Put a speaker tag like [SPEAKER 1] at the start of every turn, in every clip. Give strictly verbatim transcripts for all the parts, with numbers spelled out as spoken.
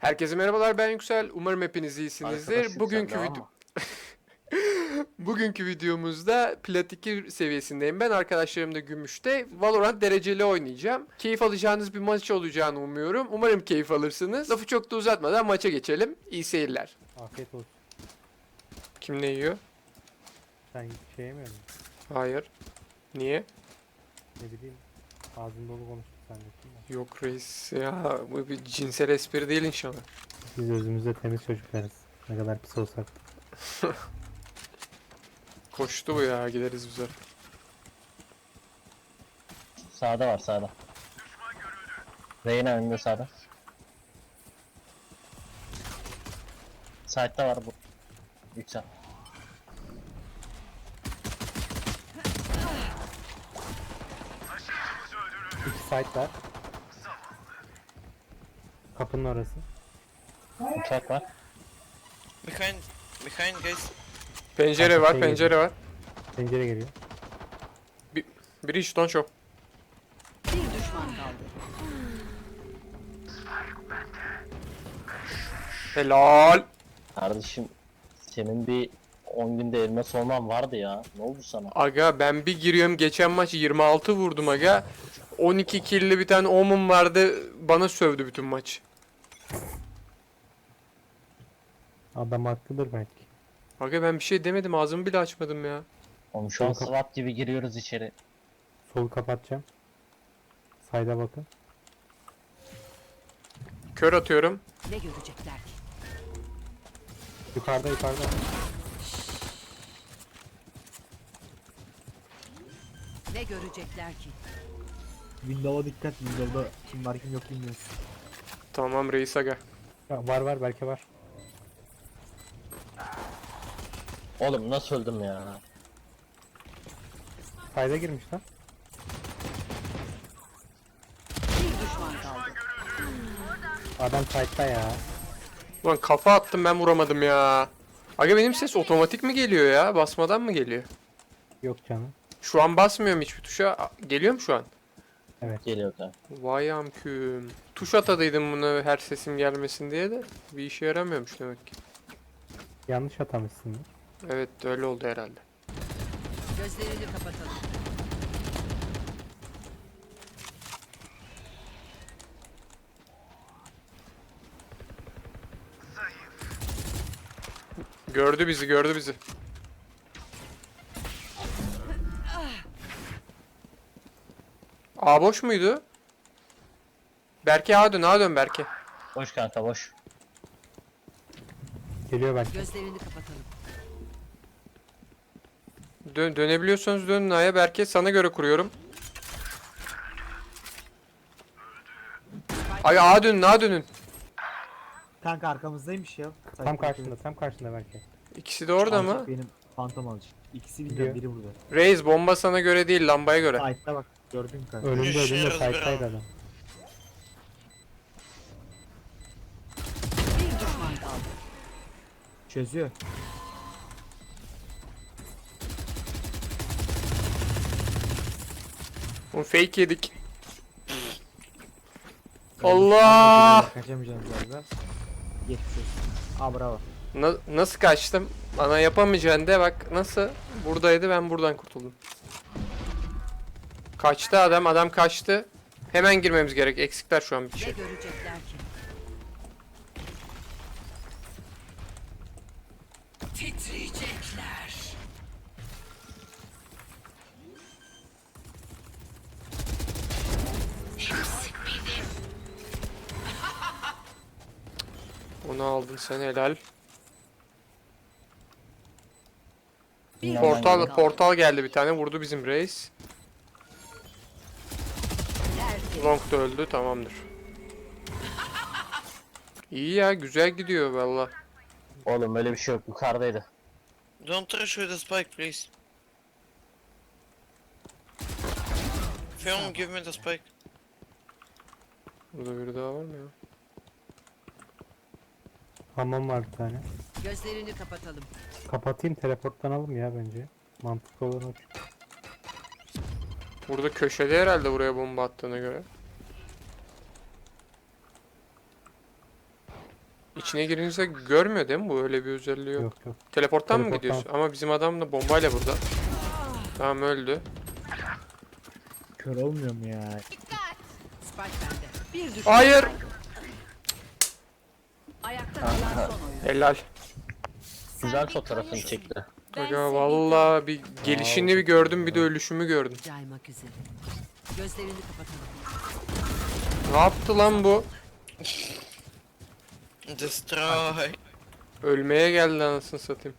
[SPEAKER 1] Herkese merhabalar, ben Yüksel. Umarım hepiniz iyisinizdir.
[SPEAKER 2] Arkadaş
[SPEAKER 1] Bugünkü
[SPEAKER 2] yükseldi
[SPEAKER 1] video
[SPEAKER 2] ama.
[SPEAKER 1] Bugünkü videomuzda Plat iki seviyesindeyim. Ben arkadaşlarım da Gümüş'te Valorant dereceli oynayacağım. Keyif alacağınız bir maç olacağını umuyorum. Umarım keyif alırsınız. Lafı çok da uzatmadan maça geçelim. İyi seyirler.
[SPEAKER 3] Afiyet olsun.
[SPEAKER 1] Kim ne yiyor?
[SPEAKER 3] Sen şey yemiyor musun?
[SPEAKER 1] Hayır. Niye?
[SPEAKER 3] Ne bileyim. Ağzın dolu konuştuk zannettim de.
[SPEAKER 1] Yok reis ya, bu bir cinsel espri değil inşallah.
[SPEAKER 3] Biz özümüzde temiz çocuklarız. Ne kadar pis olsak.
[SPEAKER 1] Koştu bu ya, gideriz güzel.
[SPEAKER 2] Sağda var sağda. Reyna önünde sağda. Side'da var bu. Yüksel.
[SPEAKER 3] İki site var. Kapının orası.
[SPEAKER 2] Uçak var.
[SPEAKER 4] Behind, behind guys.
[SPEAKER 1] Pencere
[SPEAKER 3] Arka
[SPEAKER 1] var,
[SPEAKER 3] şey
[SPEAKER 1] pencere
[SPEAKER 3] geliyor.
[SPEAKER 1] var.
[SPEAKER 3] Pencere geliyor.
[SPEAKER 1] Biri hiç don't show.
[SPEAKER 5] Bir düşman kaldı.
[SPEAKER 1] Helal.
[SPEAKER 2] Kardeşim senin bir on günde elmas olman vardı ya. Ne oldu sana?
[SPEAKER 1] Aga ben bir giriyorum, geçen maç yirmi altı vurdum aga. on iki kill'li bir tane Omen vardı, bana sövdü bütün maç.
[SPEAKER 3] Adam haklıdır belki.
[SPEAKER 1] Aga ben bir şey demedim, ağzımı bile açmadım ya.
[SPEAKER 2] Oğlum şu an
[SPEAKER 3] Yok.
[SPEAKER 2] SWAT gibi giriyoruz içeri.
[SPEAKER 3] Solu kapatacağım. Sayda bakın.
[SPEAKER 1] Kör atıyorum.
[SPEAKER 5] Ne görecekler ki?
[SPEAKER 3] Yukarıda yukarıda.
[SPEAKER 5] Ne görecekler ki?
[SPEAKER 6] Windows'a dikkat. Windows'da kim var kim yok bilmiyoruz.
[SPEAKER 1] Tamam reis aga.
[SPEAKER 3] Ya, var var belki var.
[SPEAKER 2] Oğlum nasıl öldüm ya?
[SPEAKER 3] Sayda girmiş lan.
[SPEAKER 5] Bir düşman kaldı.
[SPEAKER 3] Adam side'da ya.
[SPEAKER 1] Ulan kafa attım, ben vuramadım ya. Aga benim ses otomatik mi geliyor ya? Basmadan mı geliyor?
[SPEAKER 3] Yok canım.
[SPEAKER 1] Şu an basmıyorum hiçbir tuşa. A- Geliyor mu şu an?
[SPEAKER 2] Geliyor da.
[SPEAKER 1] Vay amküm. Tuş atadıydım bunu her sesim gelmesin diye de bir işe yaramıyormuş demek ki.
[SPEAKER 3] Yanlış atamışsın.
[SPEAKER 1] Evet öyle oldu herhalde.
[SPEAKER 5] Gözlerini kapatalım.
[SPEAKER 1] Gördü bizi, gördü bizi. A boş muydu? Berke A dön, A dön Berke.
[SPEAKER 2] Boş kanka boş.
[SPEAKER 3] Geliyor belki.
[SPEAKER 5] Gözlerini kapatalım.
[SPEAKER 1] Dön, dönebiliyorsanız dönün A'ya, Berke sana göre kuruyorum. Ay A dönün, A dönün.
[SPEAKER 6] Kanka arkamızdaymış ya.
[SPEAKER 3] Tam karşında tam karşında belki.
[SPEAKER 1] İkisi de orada mı?
[SPEAKER 6] Benim fantom alıcı. İkisi
[SPEAKER 3] Gidiyor.
[SPEAKER 6] bilmiyorum biri burada.
[SPEAKER 1] Reis bomba sana göre değil, lambaya göre.
[SPEAKER 6] Side'da bak gördün mü kanka?
[SPEAKER 3] Önümde önümde
[SPEAKER 4] Yaşarız
[SPEAKER 3] side'daydı
[SPEAKER 4] bravo.
[SPEAKER 3] adam.
[SPEAKER 5] Bir düşman kaldı.
[SPEAKER 6] Çözüyor.
[SPEAKER 1] Oğlum fake yedik. Allah!
[SPEAKER 6] Kaçamayacağım galiba. Geçmiş olsun. Aa bravo.
[SPEAKER 1] Na- nasıl kaçtım? Bana yapamayacaksın de bak nasıl? Buradaydı, ben buradan kurtuldum. Kaçtı adam, adam kaçtı. Hemen girmemiz gerek. Eksikler şu an bir
[SPEAKER 5] Ne
[SPEAKER 1] şey.
[SPEAKER 5] görecekler ki? Titriyecekler.
[SPEAKER 1] Onu aldın sen, helal.
[SPEAKER 5] Bir
[SPEAKER 1] Portal
[SPEAKER 5] düşman kaldı.
[SPEAKER 1] portal geldi bir tane, vurdu bizim reis.
[SPEAKER 5] Tertemiz.
[SPEAKER 1] Long da öldü, tamamdır. İyi ya, güzel gidiyor valla.
[SPEAKER 2] Oğlum öyle bir şey yok. Yukarıdaydı.
[SPEAKER 4] Don't rush with the spike, please. Film, give me the spike.
[SPEAKER 1] Burada biri daha var mı ya?
[SPEAKER 3] Hamam var bir tane.
[SPEAKER 5] Gözlerini kapatalım.
[SPEAKER 3] Kapatayım teleportlanalım ya bence. Mantıklı olan o.
[SPEAKER 1] Burada köşede herhalde, buraya bomba attığına göre. İçine girince görmüyor değil mi bu? Öyle bir özelliği yok.
[SPEAKER 3] Yok yok.
[SPEAKER 1] Teleporttan mı
[SPEAKER 3] Teleporttan.
[SPEAKER 1] gidiyorsun? Ama bizim adam da bombayla burada. Tamam öldü.
[SPEAKER 6] Kör olmuyor mu ya?
[SPEAKER 5] Spike bende. Bir düşman.
[SPEAKER 1] Hayır.
[SPEAKER 5] Ayakta kalan son oyuncu.
[SPEAKER 1] Helal.
[SPEAKER 2] Güzel fotoğrafını çekti.
[SPEAKER 1] Aga valla bir gelişini bir gördüm bir de ölüşümü gördüm.
[SPEAKER 5] Caymak üzere. Gözlerini kapatalım.
[SPEAKER 1] Ne yaptı lan bu?
[SPEAKER 4] Destroy.
[SPEAKER 1] Ölmeye geldi anasını satayım.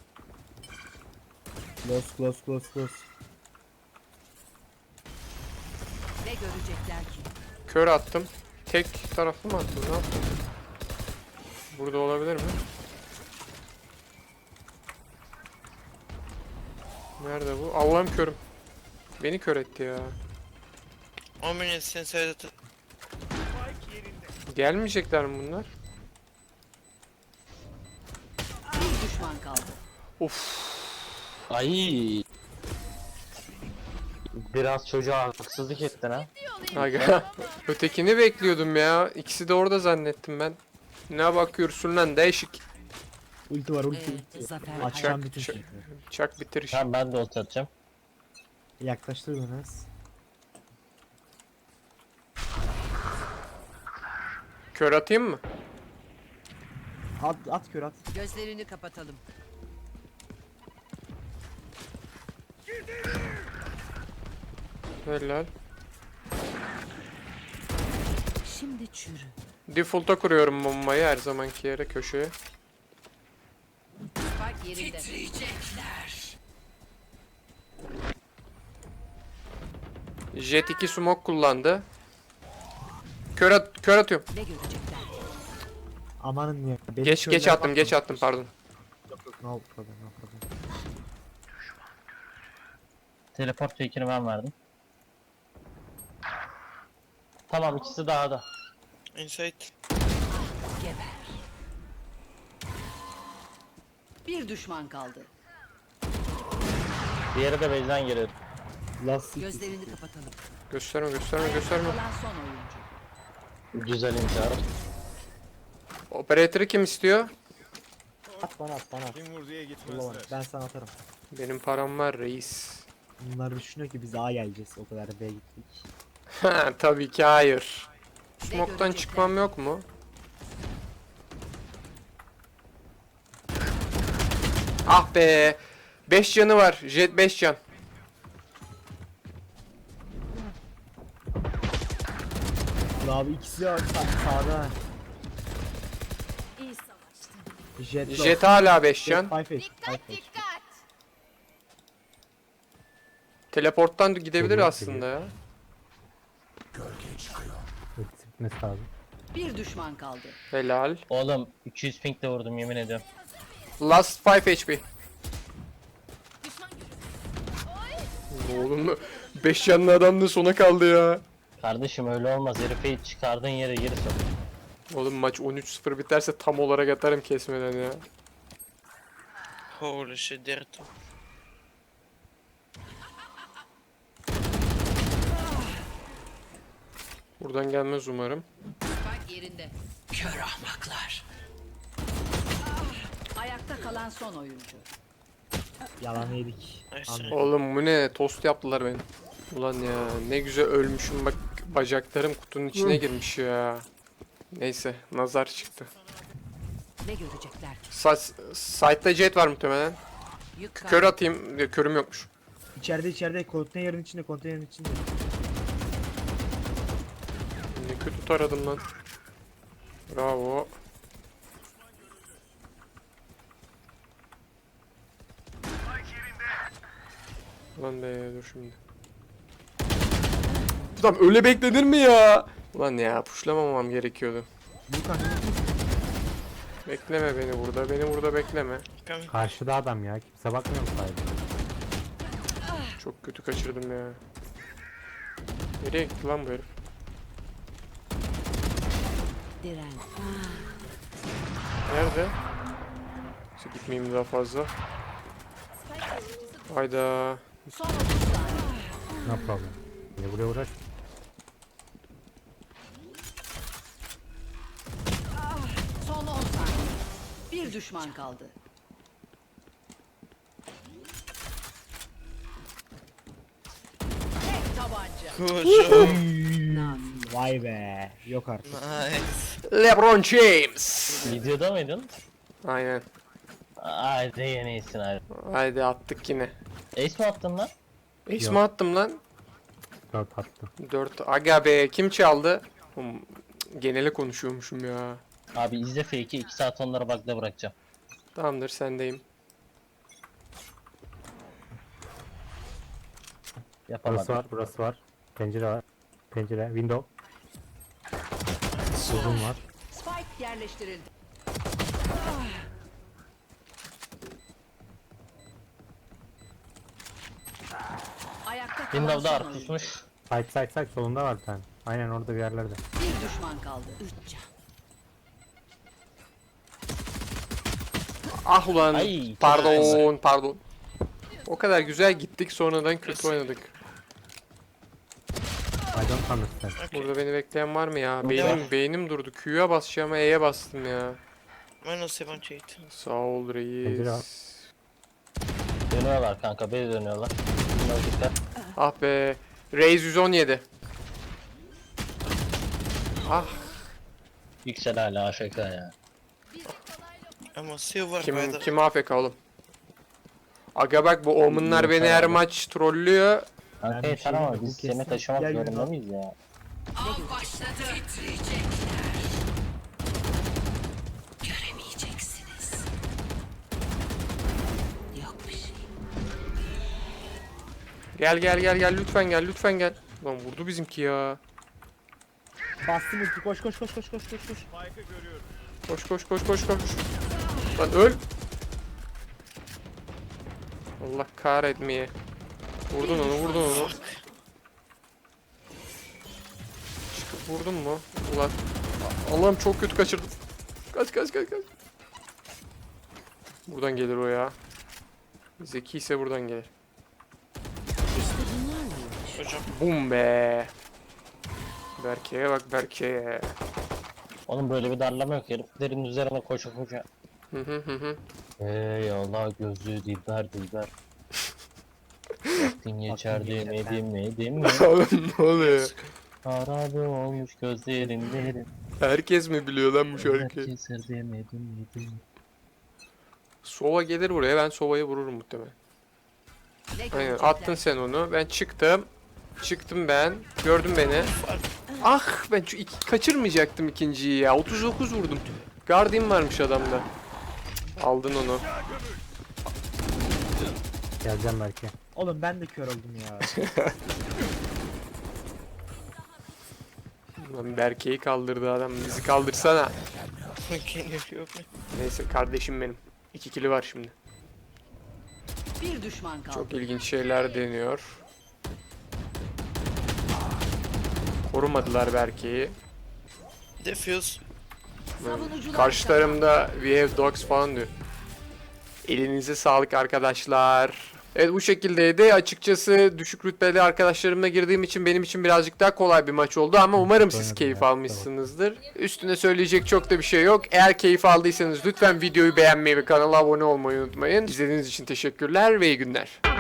[SPEAKER 6] Close close close close.
[SPEAKER 5] Ne görecekler ki?
[SPEAKER 1] Kör attım. Tek taraflı mı attım? Ne yaptım? Burada olabilir mi? Nerede bu? Allah'ım körüm. Beni kör etti ya.
[SPEAKER 4] one minute inside the...
[SPEAKER 1] Gelmeyecekler mi bunlar?
[SPEAKER 5] Bir düşman kaldı.
[SPEAKER 1] Of.
[SPEAKER 2] Ay. Biraz çocuğa haksızlık ettin ha.
[SPEAKER 1] Aga. Ötekini bekliyordum ya. İkisi de orada zannettim ben. Ne bakıyorsun lan değişik.
[SPEAKER 6] Ulti var ulti
[SPEAKER 5] Ee,
[SPEAKER 6] ulti.
[SPEAKER 5] zafer
[SPEAKER 6] Açacağım
[SPEAKER 1] Çak,
[SPEAKER 6] bütün
[SPEAKER 1] çak.
[SPEAKER 6] şeyi.
[SPEAKER 1] Çak bitir işi.
[SPEAKER 2] Tamam ben de ult atacağım.
[SPEAKER 6] Yaklaştır biraz.
[SPEAKER 1] Kör atayım mı?
[SPEAKER 6] At at kör at.
[SPEAKER 5] Gözlerini kapatalım.
[SPEAKER 1] Helal.
[SPEAKER 5] Şimdi çürü.
[SPEAKER 1] Default'a kuruyorum bombayı her zamanki yere köşeye.
[SPEAKER 5] Spike yerinde.
[SPEAKER 1] Jet iki smoke kullandı. Kör, at kör atıyorum.
[SPEAKER 5] Ne görecekler?
[SPEAKER 6] Amanın ya. Benim
[SPEAKER 1] Geç geç
[SPEAKER 6] körlere
[SPEAKER 1] attım
[SPEAKER 6] bakma.
[SPEAKER 1] geç attım pardon.
[SPEAKER 6] Yok yok no problem no problem.
[SPEAKER 2] Teleport fake'ini ben verdim. Tamam ikisi daha da.
[SPEAKER 4] Inside.
[SPEAKER 5] Geber. Bir düşman kaldı.
[SPEAKER 2] Diğeri de base'den geliyor.
[SPEAKER 6] Last city.
[SPEAKER 5] Gözlerini kapatalım.
[SPEAKER 1] Gösterme gösterme gösterme.
[SPEAKER 5] Kalan son oyuncu.
[SPEAKER 2] Güzel intihar.
[SPEAKER 1] Operatörü kim istiyor?
[SPEAKER 6] At bana at bana at.
[SPEAKER 7] Kim vurduya
[SPEAKER 6] Ulan
[SPEAKER 7] gitmezler.
[SPEAKER 6] ben sana atarım.
[SPEAKER 1] Benim param var reis.
[SPEAKER 6] Bunlar düşünüyor ki biz A geleceğiz. O kadar B'ye gittik.
[SPEAKER 1] Ha tabii ki hayır.
[SPEAKER 5] Ne
[SPEAKER 1] Smoke'tan
[SPEAKER 5] görecekler?
[SPEAKER 1] çıkmam yok mu? Ah be. beş canı var. Jet beş can.
[SPEAKER 6] Ulan abi ikisi de sa sağda.
[SPEAKER 5] İyi savaştın.
[SPEAKER 6] Jet low.
[SPEAKER 1] Jet hala beş
[SPEAKER 6] Jet
[SPEAKER 1] can.
[SPEAKER 6] five H, five H.
[SPEAKER 1] Teleporttan gidebilir
[SPEAKER 3] Geliyor,
[SPEAKER 1] aslında ya.
[SPEAKER 3] Ultisi bitmesi lazım.
[SPEAKER 5] Bir düşman kaldı.
[SPEAKER 1] Helal.
[SPEAKER 2] Oğlum iki yüz ping de vurdum yemin ediyorum.
[SPEAKER 1] Last beş H P. Oğlum beş canlı adam da sona kaldı ya.
[SPEAKER 2] Kardeşim öyle olmaz. Herifi çıkardığın yere geri sok.
[SPEAKER 1] Oğlum maç on üç sıfır biterse tam olarak atarım kesmeden ya.
[SPEAKER 4] Holy shit, they're two.
[SPEAKER 1] Buradan gelmez umarım.
[SPEAKER 5] Spike yerinde. Kör ahmaklar. Ayakta kalan son oyuncu.
[SPEAKER 6] Yalan yedik.
[SPEAKER 4] Nice.
[SPEAKER 6] Anladım.
[SPEAKER 1] Oğlum bu ne? Tost yaptılar beni. Ulan ya ne güzel ölmüşüm bak bacaklarım kutunun içine girmiş ya. Neyse nazar çıktı.
[SPEAKER 5] Ne görecekler ki?
[SPEAKER 1] Sa Site'da jet var muhtemelen.
[SPEAKER 5] Yük
[SPEAKER 1] Kör
[SPEAKER 5] kaldı.
[SPEAKER 1] atayım. Ya, körüm yokmuş.
[SPEAKER 6] İçeride içeride konteynerin içinde konteynerin içinde.
[SPEAKER 1] Ne kötü taradım lan. Bravo. Ulan be dur şimdi. Tamam öyle beklenir mi ya? Ulan ya puşlamamam gerekiyordu.
[SPEAKER 6] Lukan
[SPEAKER 1] Bekleme beni burada. Beni burada bekleme.
[SPEAKER 4] Coming.
[SPEAKER 3] Karşıda adam ya. Kimse bakmıyor mu sahibi?
[SPEAKER 1] Çok kötü kaçırdım ya. Nereye gitti lan bu herif?
[SPEAKER 5] Diren.
[SPEAKER 1] Nerede? Neyse, gitmeyeyim daha fazla. Hayda.
[SPEAKER 5] Son otuz saniye.
[SPEAKER 3] No problem. Niye buraya uğraş?
[SPEAKER 5] Son on Bir düşman kaldı. Tek tabanca.
[SPEAKER 4] Good job.
[SPEAKER 5] Nafis.
[SPEAKER 6] Vay be. Yok artık.
[SPEAKER 4] Nice.
[SPEAKER 1] LeBron James.
[SPEAKER 2] Videoda mıydın?
[SPEAKER 1] Aynen.
[SPEAKER 2] Haydi yeni iyisin abi.
[SPEAKER 1] Haydi attık yine.
[SPEAKER 2] Ace mi attın lan?
[SPEAKER 1] Ace
[SPEAKER 3] Yok.
[SPEAKER 1] mi attım lan?
[SPEAKER 3] Dört attı.
[SPEAKER 1] dört. Aga be kim çaldı? Oğlum, genele konuşuyormuşum ya.
[SPEAKER 2] Abi izle fake'i iki saat onlara bug'da bırakacağım.
[SPEAKER 1] Tamamdır sendeyim.
[SPEAKER 3] Burası
[SPEAKER 2] Yapamadım.
[SPEAKER 3] var, burası var. Pencere var. Pencere, window. Uzun var.
[SPEAKER 5] Spike yerleştirildi. Ayakta kalan
[SPEAKER 2] Windows'da
[SPEAKER 5] son
[SPEAKER 2] ar
[SPEAKER 5] oyuncu.
[SPEAKER 2] pusmuş.
[SPEAKER 3] Side side side solunda var bir tane. Aynen orada bir yerlerde.
[SPEAKER 5] Bir düşman kaldı. Üç can.
[SPEAKER 1] Ah ulan.
[SPEAKER 2] Ay,
[SPEAKER 1] Pardon, pardon. O kadar güzel gittik sonradan kötü oynadık.
[SPEAKER 3] I don't understand.
[SPEAKER 1] Burada beni bekleyen var mı ya?
[SPEAKER 2] Burada
[SPEAKER 1] Beynim
[SPEAKER 2] var.
[SPEAKER 1] beynim durdu. Q'ya basacağım E'ye bastım ya.
[SPEAKER 4] Minus seventy-eight.
[SPEAKER 1] Sağ ol
[SPEAKER 3] Pencere var.
[SPEAKER 1] reis.
[SPEAKER 2] Dönüyorlar kanka, beni dönüyorlar. Bunlar dikkat.
[SPEAKER 1] Ah be. Reis yüz on yedi. Ah
[SPEAKER 2] Yüksel hala A F K ya.
[SPEAKER 4] I'm a silver
[SPEAKER 1] kim
[SPEAKER 4] medal.
[SPEAKER 1] kim A F K oğlum? Aga bak bu Omen'lar beni her maç trollüyor.
[SPEAKER 2] Kanka
[SPEAKER 6] Ben bir
[SPEAKER 2] yeter
[SPEAKER 6] şey
[SPEAKER 2] ama
[SPEAKER 6] yemedim,
[SPEAKER 2] biz
[SPEAKER 6] kesin.
[SPEAKER 2] seni taşımak
[SPEAKER 6] Gel
[SPEAKER 2] zorunda
[SPEAKER 6] Yunan.
[SPEAKER 2] mıyız ya?
[SPEAKER 5] Göremeyeceksiniz. Yok bir şey.
[SPEAKER 1] Gel gel gel gel lütfen gel lütfen gel. Lan vurdu bizimki ya.
[SPEAKER 6] Bastım ulti. Koş koş koş koş koş koş koş.
[SPEAKER 1] Koş koş koş koş koş. Lan öl. Allah kahretmeye. Vurdun onu vurdun onu. Çıkıp vurdun mu? Ulan. Allah'ım çok kötü kaçırdım. Kaç kaç kaç kaç. Buradan gelir o ya. Zeki ise buradan gelir.
[SPEAKER 5] İşte bunlarla
[SPEAKER 4] Hocam.
[SPEAKER 1] Bum be. Berke'ye bak Berke'ye.
[SPEAKER 2] Oğlum böyle bir darlama yok, heriflerin üzerine koşa koşa.
[SPEAKER 1] Hı hı hı hı.
[SPEAKER 2] Ey Allah, gözlüğü dilber dilber. Vaktin geçer demedim dedim mi?
[SPEAKER 1] Oğlum ne oluyor?
[SPEAKER 2] Harabe olmuş gözlerin derin.
[SPEAKER 1] Herkes mi biliyor lan bu şarkıyı?
[SPEAKER 2] Keser demedim dedim.
[SPEAKER 1] Sova gelir buraya ben Sova'yı vururum muhtemelen.
[SPEAKER 5] ne
[SPEAKER 1] Aynen
[SPEAKER 5] görecekler?
[SPEAKER 1] attın sen onu. Ben çıktım. Çıktım ben. Gördün beni. Ah ben şu iki, kaçırmayacaktım ikinciyi ya. otuz dokuz vurdum. Guardian varmış adamda. Aldın onu.
[SPEAKER 3] Geleceğim belki.
[SPEAKER 6] Oğlum ben de kör oldum ya.
[SPEAKER 1] Lan Berke'yi kaldırdı adam. Bizi kaldırsana.
[SPEAKER 4] Can you help me?
[SPEAKER 1] Neyse kardeşim benim. İki kili var şimdi.
[SPEAKER 5] Bir düşman kaldı.
[SPEAKER 1] Çok ilginç şeyler deniyor. Korumadılar Berke'yi.
[SPEAKER 4] Defuse.
[SPEAKER 5] Savunucular
[SPEAKER 1] Karşılarımda we have dogs falan diyor. Elinize sağlık arkadaşlar. Evet bu şekildeydi. Açıkçası düşük rütbeli arkadaşlarımla girdiğim için benim için birazcık daha kolay bir maç oldu ama umarım siz
[SPEAKER 3] Oynadım
[SPEAKER 1] keyif
[SPEAKER 3] ya,
[SPEAKER 1] almışsınızdır. Üstüne söyleyecek çok da bir şey yok. Eğer keyif aldıysanız lütfen videoyu beğenmeyi ve kanala abone olmayı unutmayın. İzlediğiniz için teşekkürler ve iyi günler.